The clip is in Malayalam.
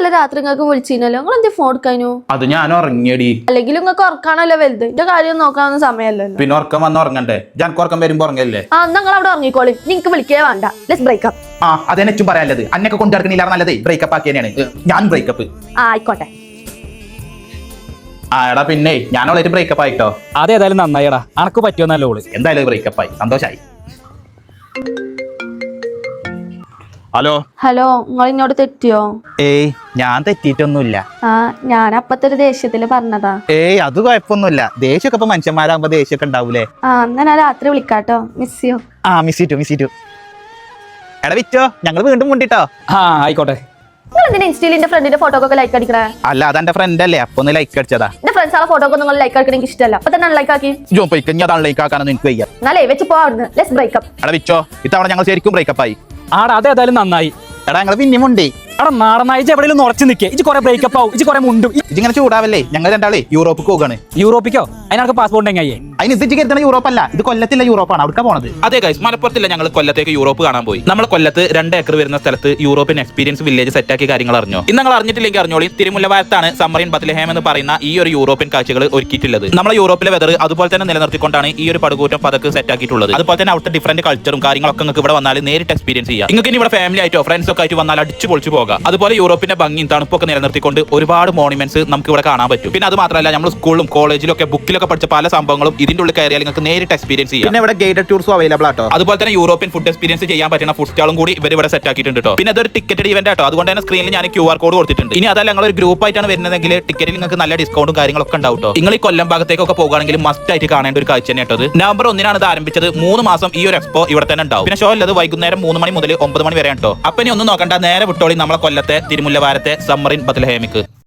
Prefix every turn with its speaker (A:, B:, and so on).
A: ഇന്നലെ രാത്രി നിങ്ങൾക്ക് വിളിച്ചിരുന്നല്ലോ, നിങ്ങൾ എന്ത് ഫോൺ എടുക്കാനോ?
B: അത് ഞാൻ ഉറങ്ങിയടി.
A: അല്ലെങ്കിൽ നിങ്ങൾക്ക് ഉറക്കാണല്ലോ വലുത്, എന്റെ കാര്യം നോക്കാനൊന്നും സമയമല്ലല്ലോ.
B: പിന്നെ ഉറക്കം വന്ന് ഉറങ്ങണ്ടേ? ഞാൻ ഉറക്കം വരുമ്പോ ഉറങ്ങല്ലേ?
A: നിങ്ങൾ അവിടെ ഉറങ്ങിക്കോളി, നിങ്ങക്ക് വിളിക്കേ വേണ്ട. Let's breakup.
B: അതെന്നെ ചും പറയാനുള്ളത്. അന്നൊക്കെ കൊണ്ടു നടക്കണില്ല നല്ലതേ ബ്രേക്കപ്പ് ആക്കിയാണ്. ഞാൻ ബ്രേക്കപ്പ്.
A: ആയിക്കോട്ടെ.
B: എടാ പിന്നെ ഞാൻ ഓളായിട്ട് ബ്രേക്കപ്പ് ആയിട്ടോ.
C: അതേതായാലും നന്നായിടാ, അനക്ക് പറ്റിയോന്നല്ലോ ഓള്.
B: എന്തായാലും ബ്രേക്കപ്പ് ആയി, സന്തോഷായി. ഹലോ
A: ഹലോ, നിങ്ങൾ ഇന്നോട് തെറ്റിയോ?
B: ഏയ് ഞാൻ തെറ്റിയിട്ടൊന്നുമില്ല.
A: ഞാൻ അപ്പത്തെ ഒരു ദേഷ്യത്തില് പറഞ്ഞതാ.
B: ഏയ് അത് കുഴപ്പമൊന്നുമില്ല. ദേഷ്യമൊക്കെ ഇപ്പൊ മനുഷ്യന്മാരാകുമ്പോ ദേഷ്യമൊക്കെ ഉണ്ടാവൂലേ?
A: എന്നാ ഞാൻ രാത്രി വിളിക്കാട്ടോ. Miss you.
B: മിസ് ചെയ്തു. എടാ വിറ്റോ, ഞങ്ങൾ വീണ്ടും മുണ്ടിട്ടോ.
C: ആയിക്കോട്ടെ.
A: നിങ്ങൾ എന്തിനാ ഇൻസ്റ്റയിൽ എന്റെ ഫ്രണ്ടിന്റെ ഫോട്ടോ ഒക്കെ ലൈക്ക് അടിക്കണേ?
B: അല്ല അതെന്റെ ഫ്രണ്ട് അല്ലേ, അപ്പൊ ഒന്ന് ലൈക്ക് അടിച്ചതാ.
A: എന്റെ ഫ്രണ്ട്സ് ഫോട്ടോ ഒക്കെ നിങ്ങൾ ലൈക്ക് അടിക്കണ എനിക്ക് ഇഷ്ടമല്ല. അപ്പൊ തന്നെ ലൈക്ക് ആക്കി.
B: അതാണ് ലൈക്ക് ആക്കാനൊന്നും എനിക്ക് വയ്യ.
A: എന്നാലേ വെച്ച് പോവാ. Let's breakup.
B: എടാ വിറ്റോ, ഇത്തവണ ഞങ്ങൾ ശരിക്കും ബ്രേക്കപ്പ് ആയി.
C: അതേതായാലും നന്നായി.
B: എടാ ഞങ്ങൾ പിന്നെ മുണ്ടേ.
C: എടാ നാടനായി എവിടെയും ഉറച്ചു നിൽക്കേ. ഇജ് കുറെ ബ്രേക്കപ്പ് ആവും, ഇജ് കുറെ മുണ്ടും.
B: ഇതിങ്ങനെ ചൂടാവല്ലേ? ഞങ്ങൾ രണ്ടാളെ യൂറോപ്പിക്ക് പോകാണ്.
C: യൂറോപ്പിക്കോ? അതിനൊക്കെ പാസ്പോർട്ട് എങ്ങനെ?
B: അതിന് ഇത് കരുതണ യൂറോപ്പ് അല്ല, ഇത് കൊല്ലത്തില്ല യൂറോപ്പാണ്. അവിടെ പോണത്. അതെ ഗൈസ്, മലപ്പുറത്തില്ല, ഞങ്ങൾ കൊല്ലത്തേക്ക് യൂറോപ്പ് കാണാൻ പോയി. നമ്മൾ കൊല്ലത്ത് 2 ഏക്കർ വരുന്ന സ്ഥലത്ത് യൂറോപ്യൻ എക്സ്പീരിയൻസ് വില്ലേജ് സെറ്റാക്കിയ കാര്യങ്ങൾ അറിഞ്ഞോ? ഇന്ന് നിങ്ങൾ അറിഞ്ഞിട്ടില്ലെങ്കിൽ അറിഞ്ഞോളി. തിരുമുല്ലവാരത്താണ് സമ്മറിൻ ബത്ലഹേം എന്ന് പറയുന്ന ഈ ഒരു യൂറോപ്യൻ കാഴ്ചകൾ ഒരുക്കിയിട്ടുള്ളത്. നമ്മളെ യൂറോപ്പിലെ വെതർ അതുപോലെ തന്നെ നിലനിർത്തിക്കൊണ്ടാണ് ഈ ഒരു പടുകൂറ്റം പതക്ക് സെറ്റാക്കിയിട്ടുള്ളത്. അതുപോലെ തന്നെ അവിടുത്തെ ഡിഫറന്റ് കൾച്ചറും കാര്യങ്ങളൊക്കെ നിങ്ങൾക്ക് ഇവിടെ വന്നാൽ നേരിട്ട് എക്സ്പീരിയൻസ് ചെയ്യാം. നിങ്ങൾക്ക് ഇനി ഇവിടെ ഫാമിലി ആയിട്ടോ ഫ്രണ്ട്സ് ഒക്കെ ആയിട്ട് വന്നാൽ അടിച്ചു പൊളിച്ചു പോകാം. അതുപോലെ യൂറോപ്പിന്റെ ഭംഗിയും തണുപ്പൊക്കെ നിലനിർത്തിക്കൊണ്ട് ഒരുപാട് മോണുമെന്റ്സ് നമുക്ക് ഇവിടെ കാണാൻ പറ്റും. പിന്നെ അത് മാത്രമല്ല, നമ്മൾ സ്കൂളിലും കോളേജിലും ഒക്കെ ബുക്കിലൊക്കെ പഠിച്ച പല സംഭവങ്ങളും ഇതിന്റെ ഉള്ളിൽ കയറിയാൽ നിങ്ങൾക്ക് നേരിട്ട് എക്സ്പീരിയൻസ് ചെയ്യാം. പിന്നെ ഇവിടെ ഗൈഡഡ് ടൂർസും അവൈലബിൾ ആട്ടോ. അതുപോലെ തന്നെ യൂറോപ്യൻ ഫുഡ് എക്സ്പീരിയൻസ് ചെയ്യാൻ പറ്റുന്ന ഫുഡ് സ്റ്റാളും കൂടി ഇവർ ഇവിടെ സെറ്റ് ആക്കിയിട്ടുണ്ട് കേട്ടോ. പിന്നെ അതൊരു ടിക്കറ്റ് ഇവന്റ് ആട്ടോ. അതുകൊണ്ട് തന്നെ സ്ക്രീനിൽ ഞാൻ QR കോഡ് കൊടുത്തിട്ടുണ്ട്. ഇനി അതല്ല നിങ്ങൾ ഒരു ഗ്രൂപ്പ് ആയിട്ടാണ് വരുന്നതെങ്കിൽ ടിക്കറ്റിൽ നിങ്ങൾക്ക് നല്ല ഡിസ്കൗണ്ടും കാര്യങ്ങളൊക്കെ ഉണ്ടാവും കേട്ടോ. നിങ്ങൾ ഈ കൊല്ലം ഭാഗത്തേക്കൊക്കെ പോകുകയാണെങ്കിൽ മസ്റ്റ് ആയിട്ട് കാണേണ്ട ഒരു കാഴ്ച തന്നെ കേട്ടത്. നവംബർ 1 ഇത് ആരംഭിച്ചത്. 3 മാസം ഈ ഒരു എക്സ്പോ ഇവിടെ തന്നെ ഉണ്ടാവും. പിന്നെ ഷോ ഉള്ളത് വൈകുന്നേരം 3 മണി മുതൽ 9 മണി വരെ കേട്ടോ. അപ്പൊ ഇനി ഒന്നും നോക്കണ്ട, നേരെ വിട്ടോളി നമ്മളെ കൊല്ലത്തെ തിരുമുല്ലവാരത്തെ സമ്മറിൻ ബത്ലഹേമിക്ക്.